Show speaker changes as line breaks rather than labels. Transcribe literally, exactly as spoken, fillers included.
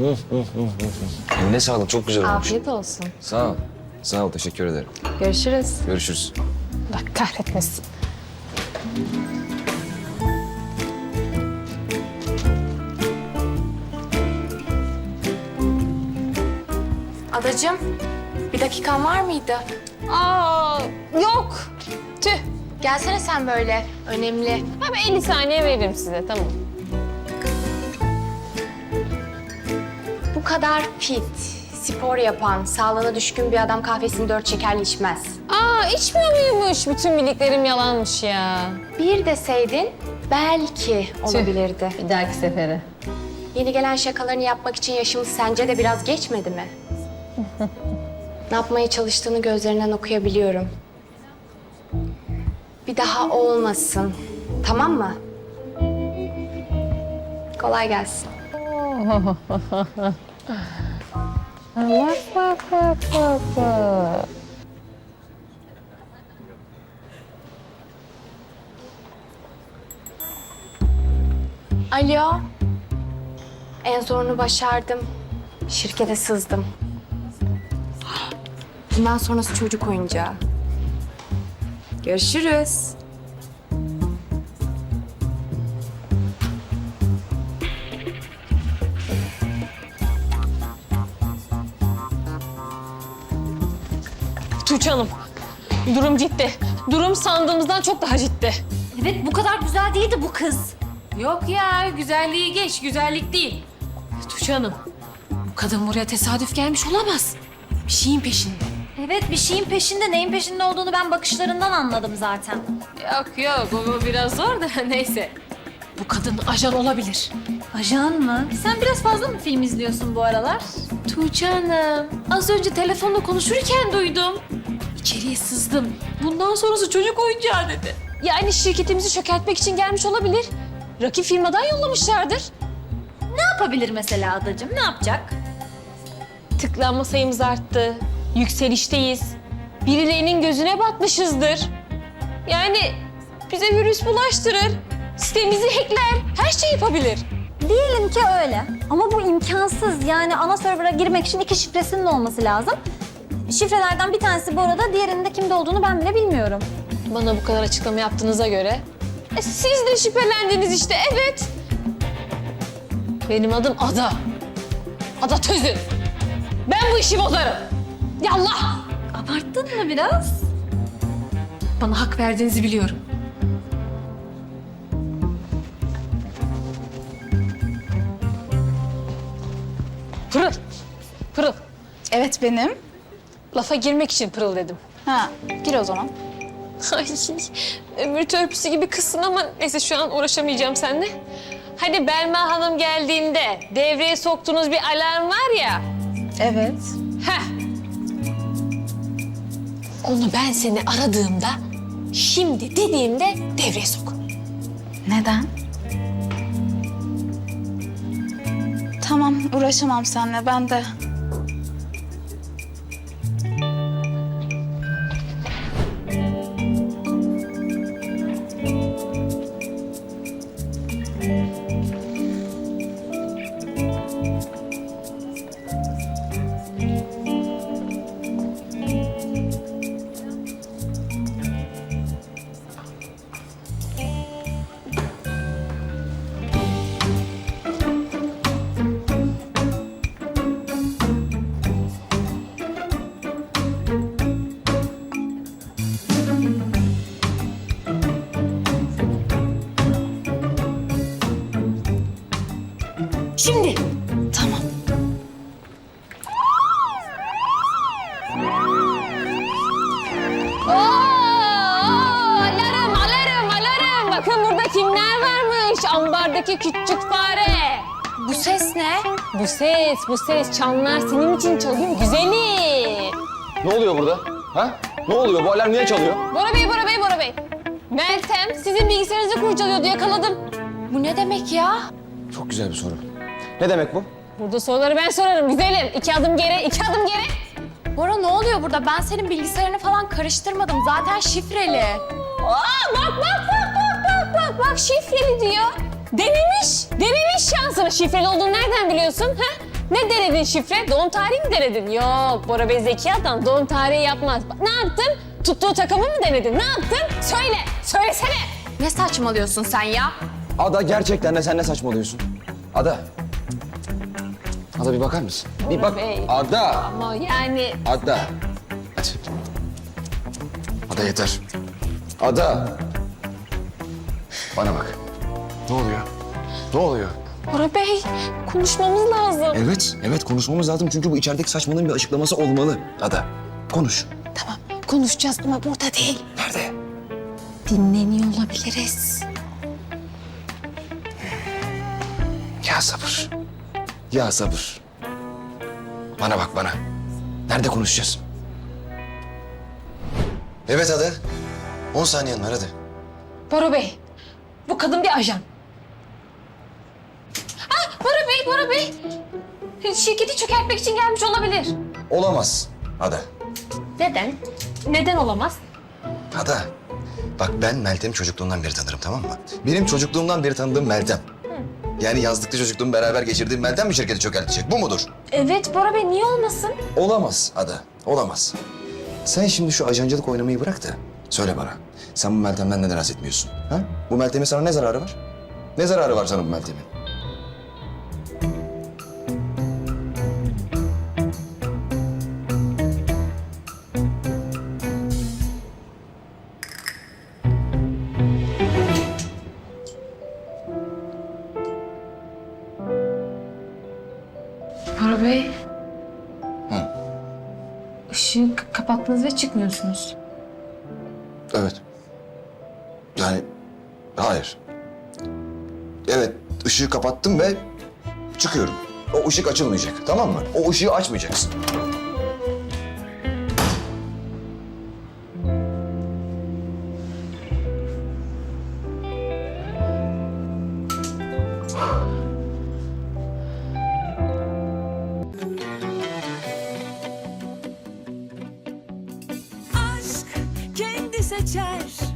Eline sağlık, çok güzel olmuş.
Afiyet olsun.
Sağ ol. Sağ ol, teşekkür ederim.
Görüşürüz.
Görüşürüz.
Allah kahretmesin. Adacığım, bir dakikan var mıydı?
Aa, yok. Tüh.
Gelsene sen böyle, önemli.
Abi elli saniye veririm size, tamam.
Bu kadar fit, spor yapan, sağlığına düşkün bir adam kahvesini dört şekerli içmez.
Aa, içmiyor muymuş? Bütün bildiklerim yalanmış ya.
Bir deseydin belki olabilirdi.
Bir dahaki sefere.
Yeni gelen şakalarını yapmak için yaşımız sence de biraz geçmedi mi? Ne yapmaya çalıştığını gözlerinden okuyabiliyorum. Bir daha olmasın. Tamam mı? Kolay gelsin.
Bak, bak, bak, bak, bak.
Alo. En zorunu başardım. Şirkete sızdım. Bundan sonrası çocuk oyuncağı. Görüşürüz.
Tuğçe Hanım, durum ciddi. Durum sandığımızdan çok daha ciddi.
Evet, bu kadar güzel değildi bu kız.
Yok ya, güzelliği geç, güzellik değil. Tuğçe Hanım, bu kadın buraya tesadüf gelmiş olamaz. Bir şeyin peşinde.
Evet, bir şeyin peşinde, neyin peşinde olduğunu ben bakışlarından anladım zaten.
Yok yok, bu biraz zor da neyse. Bu kadın ajan olabilir.
Ajan mı? Sen biraz fazla mı film izliyorsun bu aralar?
Tuğçe Hanım, az önce telefonla konuşurken duydum. İçeriye sızdım. Bundan sonrası çocuk oyuncağı dedi.
Yani şirketimizi çökertmek için gelmiş olabilir. Rakip firmadan yollamışlardır.
Ne yapabilir mesela adacığım, ne yapacak?
Tıklanma sayımız arttı. Yükselişteyiz. Birilerinin gözüne batmışızdır. Yani bize virüs bulaştırır. Sitemizi hackler. Her şeyi yapabilir.
Diyelim ki öyle. Ama bu imkansız. Yani ana server'a girmek için iki şifresinin olması lazım. Şifrelerden bir tanesi bu arada, diğerinin de kimde olduğunu ben bile bilmiyorum.
Bana bu kadar açıklama yaptığınıza göre. E, siz de şüphelendiniz işte, evet. Benim adım Ada. Ada Tözün. Ben bu işi bozarım. Yallah.
Abarttın mı biraz?
Bana hak verdiğinizi biliyorum.
Pırıl. Pırıl.
Evet benim.
Lafa girmek için pırıl dedim.
Ha, gir o zaman.
Ay, ömür törpüsü gibi kızsın ama neyse şu an uğraşamayacağım seninle. Hani Belma Hanım geldiğinde devreye soktuğunuz bir alarm var ya.
Evet.
Heh. Onu ben seni aradığımda, şimdi dediğimde devreye sok.
Neden? Tamam, uğraşamam seninle. Ben de.
Şimdi.
Tamam.
Oo, alarm, alarm, alarm. Bakın burada kimler varmış? Ambardaki küçük fare.
Bu ses ne?
Bu ses, bu ses. Çanlar senin için çalıyor güzelim.
Ne oluyor burada? Ha? Ne oluyor? Bu alarm niye çalıyor?
Bora Bey, Bora Bey, Bora Bey. Meltem sizin bilgisayarınızı kurcalıyordu, yakaladım.
Bu ne demek ya?
Çok güzel bir soru. Ne demek bu?
Burada soruları ben sorarım güzelim. İki adım geri, iki adım geri.
Bora ne oluyor burada? Ben senin bilgisayarını falan karıştırmadım. Zaten şifreli.
Aa, bak, bak, bak, bak, bak, bak, bak şifreli diyor. Denemiş, denemiş şansını. Şifreli olduğunu nereden biliyorsun? Ha? Ne denedin şifre? Doğum tarihi mi denedin? Yok, Bora Bey zeki adam doğum tarihi yapmaz. Bak, ne yaptın? Tuttuğu takımı mı denedin? Ne yaptın? Söyle, söylesene.
Ne saçmalıyorsun sen ya?
Ada gerçekten de sen ne saçmalıyorsun? Ada. Ada bir bakar mısın? Bir bak.
Bey.
Ada.
Ama yani
Ada. Hadi. Ada yeter. Ada. Bana bak. Ne oluyor? Ne oluyor?
Bora Bey konuşmamız lazım.
Evet, evet konuşmamız lazım çünkü bu içerideki saçmalığın bir açıklaması olmalı. Ada, konuş.
Tamam, konuşacağız ama burada değil.
Nerede?
Dinleniyor olabiliriz.
Ya sabır. Ya sabır. Bana bak bana. Nerede konuşacağız? Evet Ada. On saniyen var hadi.
Bora Bey, bu kadın bir ajan. Ah, Bora Bey, Bora Bey. Şirketi çökertmek için gelmiş olabilir.
Olamaz Ada.
Neden? Neden olamaz?
Ada. Bak ben Meltem'i çocukluğumdan beri tanırım tamam mı? Benim çocukluğumdan beri tanıdığım Meltem. Yani yazlıkta çocukluğumu beraber geçirdiğim Meltem mi şirketi çökertecek? Bu mudur?
Evet Bora Bey, niye olmasın?
Olamaz Ada. Olamaz. Sen şimdi şu ajancılık oynamayı bırak da söyle bana. Sen bu Meltem'den neden rahatsız etmiyorsun? Ha? Bu Meltem'in sana ne zararı var? Ne zararı var sana bu Meltem'in?
Bora Bey.
Hı.
Işığı k- kapattınız ve çıkmıyorsunuz.
Evet. Yani hayır. Evet ışığı kapattım ve çıkıyorum. O ışık açılmayacak tamam mı? O ışığı açmayacaksın.
aşk kendi seçer